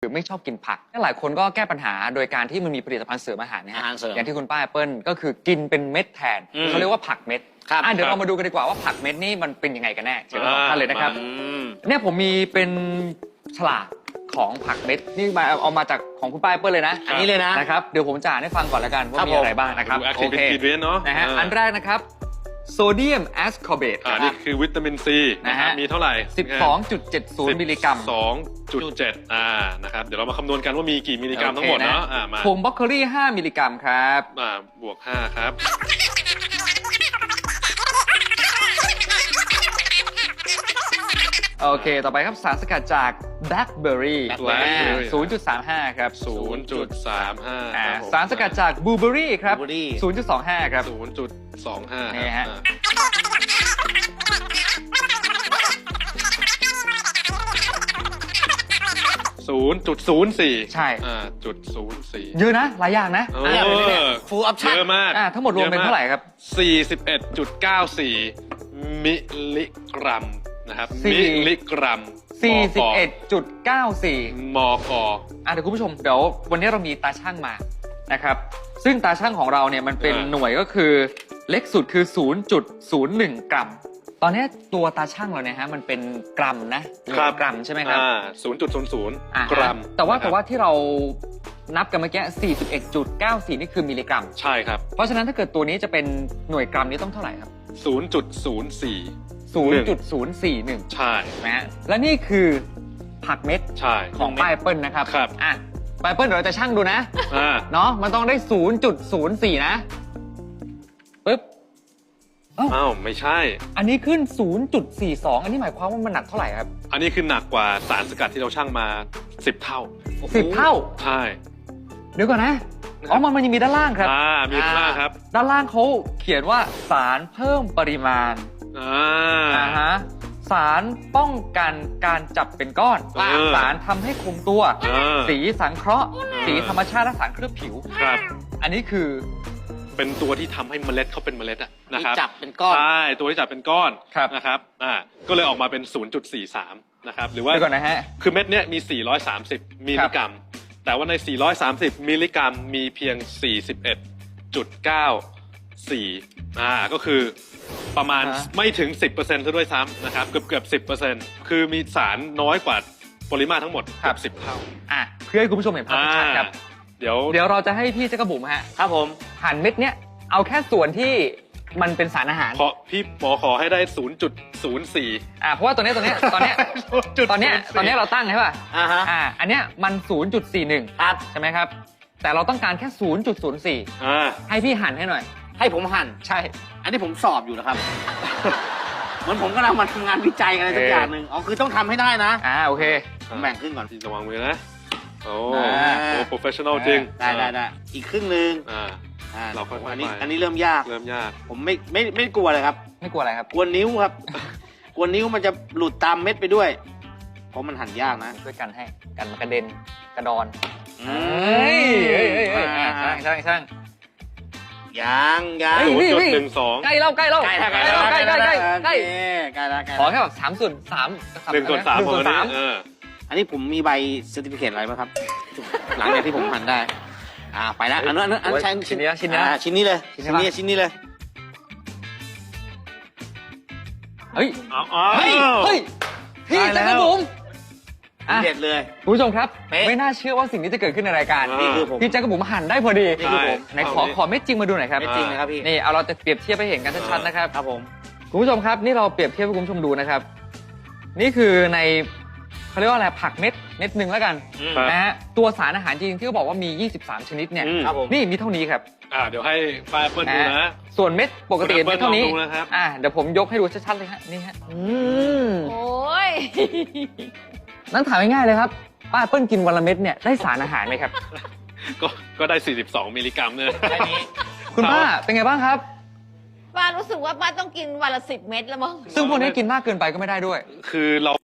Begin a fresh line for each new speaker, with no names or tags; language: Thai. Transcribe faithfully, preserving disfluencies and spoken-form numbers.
รือไม่ชอบกินผักหลายคนก็แก้ปัญหาโดยการที่มันมีผลิตภัณฑ์เสริมอาหารนะฮะอย่างที่คุณป้าแอปเปิลก็คือกินเป็นเม็ดแทนเขาเรียกว่าผักเม็ดอ่ะเดี๋ยวเรามาดูกันดีกว่าว่าผักเม็ดนี่มันเป็นยังไงกันแน่เชิญท่านเลยนะครับเนี่ยผมมีเป็นฉลากของผักเม็ดนี่มาเอามาจากของคุณป้าแอปเปิลเลยนะอันนี้เลยนะนะครับเดี๋ยวผมจะอ่านให้ฟังก่อนแล้วกันว่ามีอะไรบ้างนะครับโอเคนะฮะอันแรกนะครับโซเดียมแอสคอร์เบต
อ่านี่คือวิตามินซีนะฮะมีเท่าไหร่
สิบสองจุดเจ็ดศูนย์ มิลลิกรัม
สิบสองจุดเจ็ด อ่านะครับเดี๋ยวเรามาคำนวณกันว่ามีกี่มิลลิกรัมทั้งหมดเนาะอ่ามา
ผงบล็อกโคลี่ห้ามิลลิกรัมครับ
อ่าบวกห้าครับ
โอเคต่อไปครับสารสกัดจากแบล็คเบอร์รี่ ศูนย์จุดสามห้า ครับ
ศูนย์จุดสามห้า
สารสกัดจากบลูเบอร์รี่ครับ ศูนย์จุดสองห้า ครับ
ศูนย์จุดสองห้า
นี่ฮะ
ศูนย์จุดศูนย์สี่
ใช่
อ่าจุดศูนย์สี่
เยอะนะหลายอย่างนะ
เออ
ฟูลออปชั่น
เยอะมาก
ทั้งหมดรวมเป็นเท่าไหร่ครับ
สี่สิบเอ็ดจุดเก้าสี่ มิลลิกรัมนะครับมิลลิกรัม
สี่สิบเอ็ดจุดเก้าสี่
มก
อ่ะเดี๋ยวคุณผู้ชมเดี๋ยววันนี้เรามีตาช่างมานะครับซึ่งตาช่างของเราเนี่ยมันเป็นหน่วยก็คือเล็กสุดคือ ศูนย์จุดศูนย์หนึ่ง กรัมตอนนี้ตัวตาช่างเราเนี่ยฮะมันเป็นกรัมนะกรัมใช่ไหมครับ
ศูนย์จุดศูนย์ศูนย์กรัม
แต่ว่าแต่ว่าที่เรานับกันเมื่อกี้ สี่สิบเอ็ดจุดเก้าสี่ นี่คือมิลลิกรัม
ใช่ครับ
เพราะฉะนั้นถ้าเกิดตัวนี้จะเป็นหน่วยกรัมนี้ต้องเท่าไหร่ครับ
ศูนย์จุดศูนย์สี่
ศูนย์จุดศูนย์สี่หนึ่ง
ใช่
นะฮะและนี่คือผักเม็ดของป้าแอปเปิลนะครับ
ครับ
อ่ะป้าแอปเปิลเดี๋ยวเราจะชั่งดูนะเนาะมันต้องได้ ศูนย์จุดศูนย์สี่ นะปึ๊บ
อ้าวไม่ใช่
อันนี้ขึ้น ศูนย์จุดสี่สอง อันนี้หมายความว่ามันหนักเท่าไหร่ครับ
อันนี้คือหนักกว่าสารสกัดที่เราชั่งมาสิบเท่า
สิบเท่า
ใช่
เดี๋ยวก่อนนะอ๋อมันมันยังมีด้านล่างครับ
อ่ามีด้านล่างครับ
ด้านล่างเขาเขียนว่าสารเพิ่มปริมาณ
อ่า
อ่าฮะสารป้องกันการจับเป็นก้อนสารทำให้คงตัวสีสังเคราะห์สีธรรมชาติและสารเคลือบผิว
ครับ
อันนี้คือ
เป็นตัวที่ทำให้เมล็ดเขาเป็นเมล็ดอะนะครับ
จับเป็นก้อน
ใช่ตัวที่จับเป็นก้อนนะครับอ่าก็เลยออกมาเป็น ศูนย์จุดสี่สาม นะครับหรือว่า
ก่อนนะฮะ
คือเม็ดเนี้ยมีสี่ร้อยสามสิบมิลลิกรัมแต่ว่าในสี่ร้อยสามสิบมิลลิกรัมมีเพียง สี่สิบเอ็ดจุดเก้าสี่ อ่าก็คือประมาณไม่ถึง สิบเปอร์เซ็นต์ ซะด้วยซ้ำนะครับเกือบเกือบ สิบเปอร์เซ็นต์ คือมีสารน้อยกว่าปริมาตรทั้งหมดเกือบสิบเท่า
อ่ะเพื่อให้คุณผู้ชมเห็นภาพชัดครับ
เดี๋ยว
เดี๋ยวเราจะให้พี่เจ๊กระบุ๋มฮะครับผมหั่นเม็ดเนี้ยเอาแค่ส่วนที่มันเป็นสารอาหาร
ขอพี่หมอขอให้ได้ ศูนย์จุดศูนย์สี่
อ่าเพราะว่าตัวนี้ตัวนี้ตอนนี้ตอนนี้ตอนนี้เราตั้งใช่ป่ะอ่าฮะอ่าอันเนี้ยมัน ศูนย์จุดสี่หนึ่ง ครับใช่ไหมครับแต่เราต้องการแค่ ศูนย์จุดศูนย์สี่ อ่าให้พี่หั่นให้หน่อยให้ผมหั่นใช่อันนี้ผมสอบอยู่นะครับเหมือนผมกำลังมาทำงานวิจัยอะไรสักอย่างหนึ่งอ๋อคือต้องทำให้ได้นะอ่าโอเคผมแบ่งครึ่งก่อน
ระวังมือนะโอ้โหโปรเฟชชั่นอลจริง
ได้ได้ได้อีกครึ่งหนึ่งอ่า
เราค่อยๆ
อันนี้อันนี้เริ่มยาก
เริ่มยาก
ผมไม่ไม่ไม่กลัวเลยครับไม่กลัวอะไรครับกลัวนิ้วครับกลัวนิ้วมันจะหลุดตามเม็ดไปด้วยเพราะมันหั่นยากนะช่วยกันให้กันมันกระเด็นกระดอนเฮ้ยเฮ้ยเฮ้ยช่างช่างช่างยังยัง
จุดหนึ่งสอง
ใกล้แล้วใกล้แล้วใกล้ใกล้ใกล้ใกล้ใกล้ใกล้ใกล้แล้วขอแค่แบบสามส่วนสาม
หนึ่งส่วนสามหนึ่งส่วนสาม
อันนี้ผมมีใบเซอร์ติฟิเคตอะไรไหมครับหลังจากที่ผมหั่นได้อ่าไปแล้วอันนั้นอันนั้นชิ้นนี้ชิ้นนี้ชิ้นนี้เลยชิ้นนี้ชิ้นนี้เลยเฮ้ยเฮ้ยเฮ้ยพี่แจ็คกระบุ๋มเด็ดเลยคุณผู้ชมครับไม่น่าเชื่อว่าสิ่งนี้จะเกิดขึ้นในรายการนี่คือผมพี่แจ็คกระบุ๋มหั่นได้พอดีนี่คือผมไหนขอขอเม็ดจริงมาดูหน่อยครับเม็ดจริงนะครับพี่นี่เอาเราจะเปรียบเทียบให้เห็นกันชัดๆนะครับครับผมคุณผู้ชมครับนี่เราเปรียบเทียบให้คุณผู้ชมดูนะครับนี่คือในเขาเรียกว่าอะไรผักเม็ดเม็ดหนึ่งแล้วกันนะฮะตัวสารอาหารจริงที่เขาบอกว่ามียี่สิบสามชนิดเนี่ยนี่มีเท่านี้ครับ
อ่าเดี๋ยวให้ป้าเปิ้ลดูนะ
ส่วนเม็ดปกติเม็ดเท่านี้อ่าเดี๋ยวผมยกให้ดูชัดๆเลยฮะนี่ฮะอืมโอ้ยนั่นถามง่ายๆเลยครับป้าเปิ้ลกินวันละเม็ดเนี่ยได้สารอาหารไหมครับ
ก็ก็ได้สี่สิบสองมิลลิกรัมเนี่ย
แค่นี้คุณป้าเป็นไงบ้างครับ
ป้ารู้สึกว่าป้าต้องกินวันละสิบเม็ดแล้วมั้ง
ซึ่งพวกนี้กินมากเกินไปก็ไม่ได้ด้วย
คือเรา